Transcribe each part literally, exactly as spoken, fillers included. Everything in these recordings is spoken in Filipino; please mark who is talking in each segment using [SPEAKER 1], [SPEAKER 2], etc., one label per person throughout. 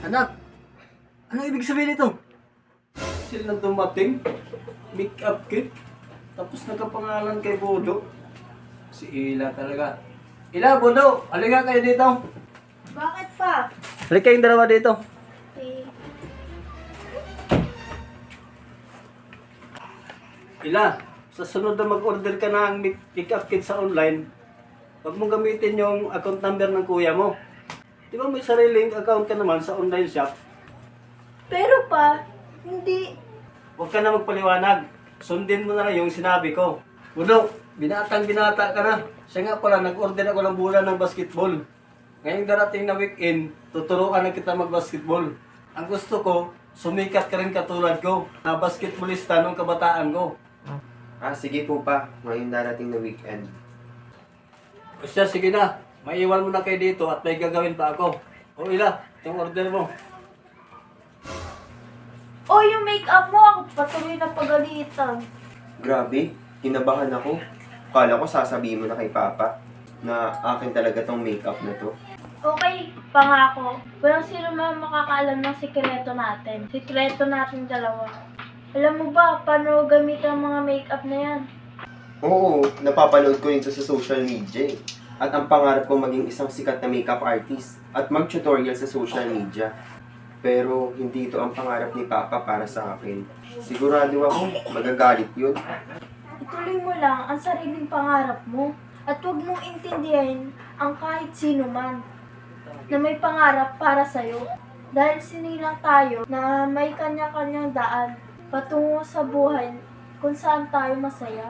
[SPEAKER 1] Anak, anong ibig sabihin nito? Sila dumating, make-up kit, tapos nagkapangalan kay Bodo. Si Ila talaga. Ila, Bodo, halika kayo dito.
[SPEAKER 2] Bakit pa?
[SPEAKER 1] Halika kayong dalawa dito.
[SPEAKER 2] Eh,
[SPEAKER 1] Ila, sa sunod na mag-order ka ng make- make-up kit sa online, huwag mong gamitin yung account number ng kuya mo. Di ba may sariling account ka naman sa online shop?
[SPEAKER 2] pero pa, hindi.
[SPEAKER 1] Huwag ka na magpaliwanag. Sundin mo na lang yung sinabi ko. Bodo, binatang binata ka na. Siya nga pala, nag-order ako ng bulan ng basketball. Ngayong darating na weekend, tuturuan na kita mag-basketball. Ang gusto ko, sumikat ka rin katulad ko, na basketballista nung kabataan ko.
[SPEAKER 3] Ah, sige po pa. Ngayon darating na weekend.
[SPEAKER 1] O siya, sige na. Maiwan mo na kayo dito at may gagawin pa ako. O Ila, yung order mo.
[SPEAKER 2] O, yung make-up mo, ako patuloy na pagalitan.
[SPEAKER 3] Grabe, kinabahan ako. Kala ko sasabihin mo na kay Papa na akin talaga tong makeup na to.
[SPEAKER 2] Okay, pangako. Walang sino man makakaalam ng sikreto natin. Sikreto natin dalawa. Alam mo ba, paano gamitin ang mga make-up na yan?
[SPEAKER 3] Oo, napapanood ko yun sa social media eh. At ang pangarap ko maging isang sikat na makeup artist at mag-tutorial sa social media. Pero hindi ito ang pangarap ni Papa para sa akin. Sigurado ako, magagalit yun.
[SPEAKER 2] Ituloy mo lang ang sariling pangarap mo. At huwag mong intindihin ang kahit sino man na may pangarap para sa'yo. Dahil sinilang tayo na may kanya-kanyang daan patungo sa buhay kung saan tayo masaya.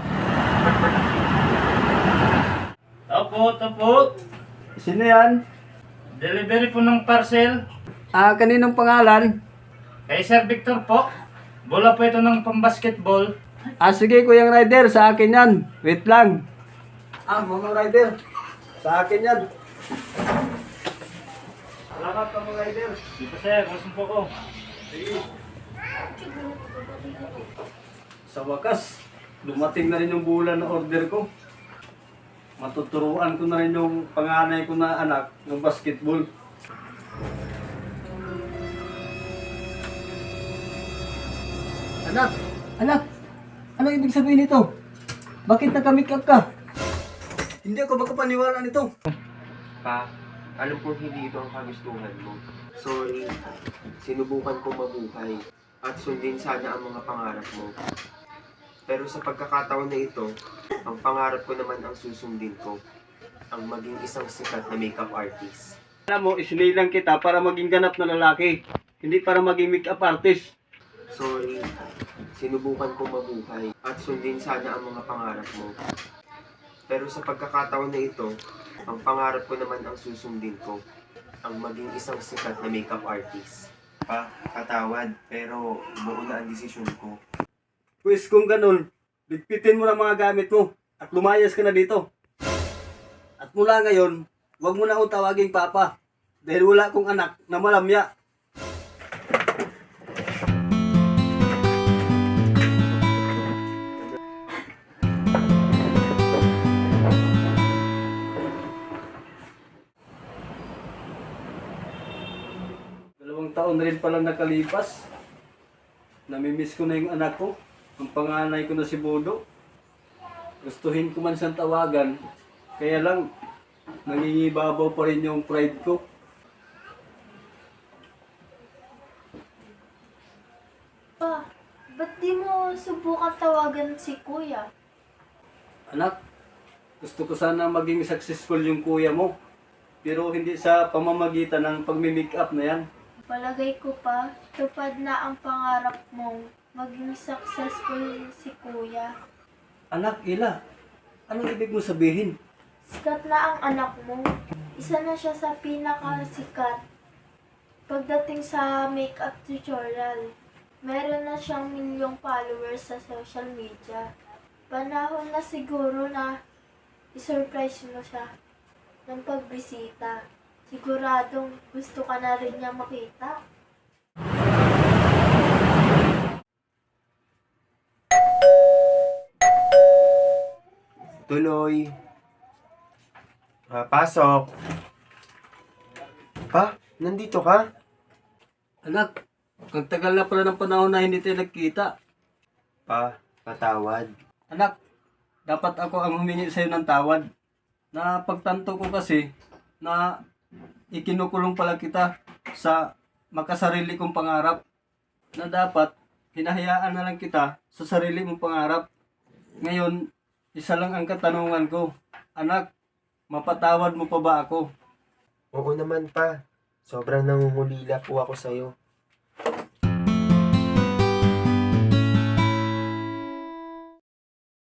[SPEAKER 4] Opo, opo.
[SPEAKER 1] Sino yan?
[SPEAKER 4] Delivery po ng parcel.
[SPEAKER 1] Ah, kaninong pangalan?
[SPEAKER 4] Kay Sir Victor po. Bola po ito ng pambasketball.
[SPEAKER 1] Ah, sige, Kuyang Rider, sa akin yan. Wait lang. Ah, mga rider. Sa akin yan. Salamat ka, mga rider.
[SPEAKER 4] Dito sir, gusto po ko.
[SPEAKER 1] Sige. Sa wakas, dumating na rin yung bulan na order ko. Matuturuan ko na rin yung panganay ko na anak ng basketball. Anak! Anak! Anong ibig sabihin nito? Bakit naka-makeup ka? Hindi ako makapaniwala nito.
[SPEAKER 3] Pa, alam ko hindi ito ang kagustuhan mo. Sorry, sinubukan kong mabuhay at sundin sana ang mga pangarap mo. Pero sa pagkakataon na ito, ang pangarap ko naman ang susundin ko. Ang maging isang sikat na makeup artist.
[SPEAKER 1] Alam mo, isinilang kita para maging ganap na lalaki. Hindi para maging makeup artist.
[SPEAKER 3] Sorry, sinubukan kong mabuhay at sundin sana ang mga pangarap mo. Pero sa pagkakataon na ito, ang pangarap ko naman ang susundin ko. Ang maging isang sikat na makeup artist. Pa, patawad, pero buo na ang desisyon ko.
[SPEAKER 1] Pues kung ganun, ligpitin mo na mga gamit mo at lumayas ka na dito. At mula ngayon, huwag mo na akong tawaging papa dahil wala akong anak na malamya. Dalawang taon na rin palang nakalipas. Namimiss ko na yung anak ko. Ang panganay ko na si Bodo. Gustuhin ko man siyang tawagan. Kaya lang, nangingibabaw pa rin yung pride ko.
[SPEAKER 2] Pa, ba't di mo subukan tawagan si Kuya?
[SPEAKER 1] Anak, gusto ko sana maging successful yung kuya mo. Pero hindi sa pamamagitan ng pagmi-make up na yan.
[SPEAKER 2] Palagay ko pa, tupad na ang pangarap mong maging successful si Kuya.
[SPEAKER 1] Anak, Ila, anong ibig mo sabihin?
[SPEAKER 2] Sikat na ang anak mo. Isa na siya sa pinakasikat. Pagdating sa makeup tutorial, meron na siyang milyong followers sa social media. Panahon na siguro na isurprise mo siya ng pagbisita. Siguradong gusto ka na rin niya makita.
[SPEAKER 3] Tuloy. Ah, pasok. Pa, nandito ka?
[SPEAKER 1] Anak, ang tagal na pala ng panahon na hindi tayo nagkita.
[SPEAKER 3] Pa, patawad.
[SPEAKER 1] Anak, dapat ako ang humingi sa'yo ng tawad. Na pagtanto ko kasi na ikinukulong pala kita sa makasarili kong pangarap. Na dapat hinahayaan na lang kita sa sarili mong pangarap. Ngayon, isa lang ang katanungan ko. Anak, mapatawad mo pa ba ako?
[SPEAKER 3] Oo naman pa. Sobrang nangungulila po ako sa'yo.